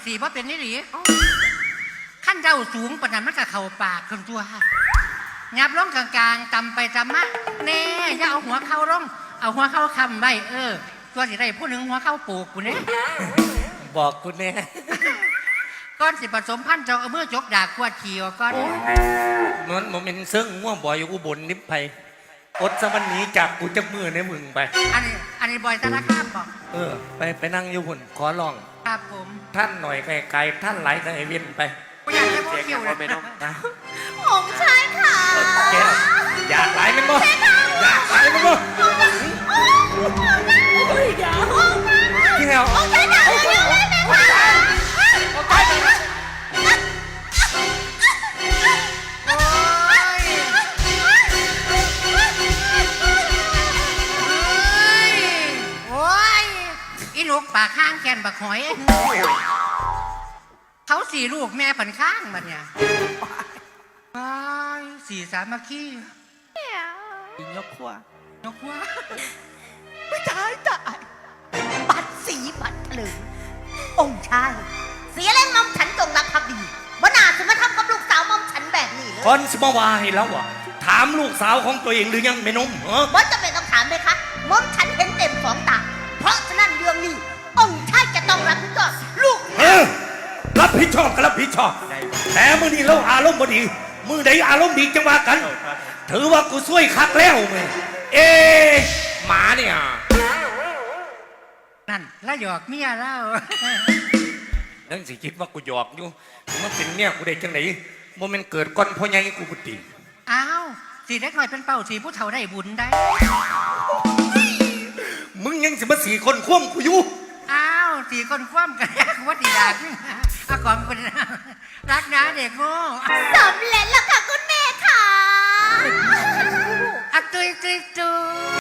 สีเพราะเป็นนี่หลีขั้นเจ้าสูงปานนั้นมันก็เข่าปากคนตัวงับลงกลางๆตำไปตำมาแน่อย่าเอาหัวเข้าลงเอาหัวเข้าคำไว้ตัวสิได้ผู้หนึ่งหัวเข้าปลูกกูเนี่ยบอกกูแน่ก้อนสิผสมพันธุ์เจ้าเอามือจกดาขวดขี่ก้อนมันโมเมนต์ซึ่งง่วงบ่อยอยู่อุบลนิพไพอดสมันนี้จากกูจะมือในมึงไปอันนี้บอยธนาคารบอกไปนั่งอยู่หุ่นขอลองครับผมท่านหน่อยไกลๆท่านไหลไกลเวียนไปอยากให้พวกคิวเลยองค์ชายค่ะอยากไหลมันบ่อยากไหลมันบ่ที่แถวองค์ชายจ๋าเร็วๆเลยค่ะอีลูกปากข้างแกนบักหอยเขาสี่ลูกแม่ผันข้างบัดเนี่ยสี่สามัคคียกขวาไม่ตายบัดสีบัดเถลิงองค์ชายเสียแรงมอมฉันจงรักภักดีบ่น่าจะมาทำกับลูกสาวมอมฉันแบบนี้เลยคนสมาวาให้แล้ววะถามลูกสาวของตัวเองหรือยังไม่นุ่มบ่จะเป็นต้องถามไหมคะมอมฉันเห็นเต็มสองตาเพราะฉะนั้นเรื่องนี้องค์ชายจะต้องรับผิดชอบลูกรับผิดชอบก็รับผิดชอบแต่มือนี้เราอารมณ์บ่ดีมือใดอารมณ์ดีจังว่ากันถือว่ากูช่วยคักแล้วไงหมาเนี่ยนั่นแล้วหยอกเมียแล้วนั่นสิคิดว่ากูหยอกอยู่มันเป็นเมียกูได้จังไหนโมเมนต์เกิดก้อนพ่อใหญ่กูบุตรีอ้าวสีเล็กหน่อยเป็นเป่าสีผู้เฒ่าได้บุญได้มึงยังสิมาสี่คนคว่ำกูอยู่อ้าวสี่คนคว่ำกันว่าดีดากก่อนคนรักนะเด็กโง่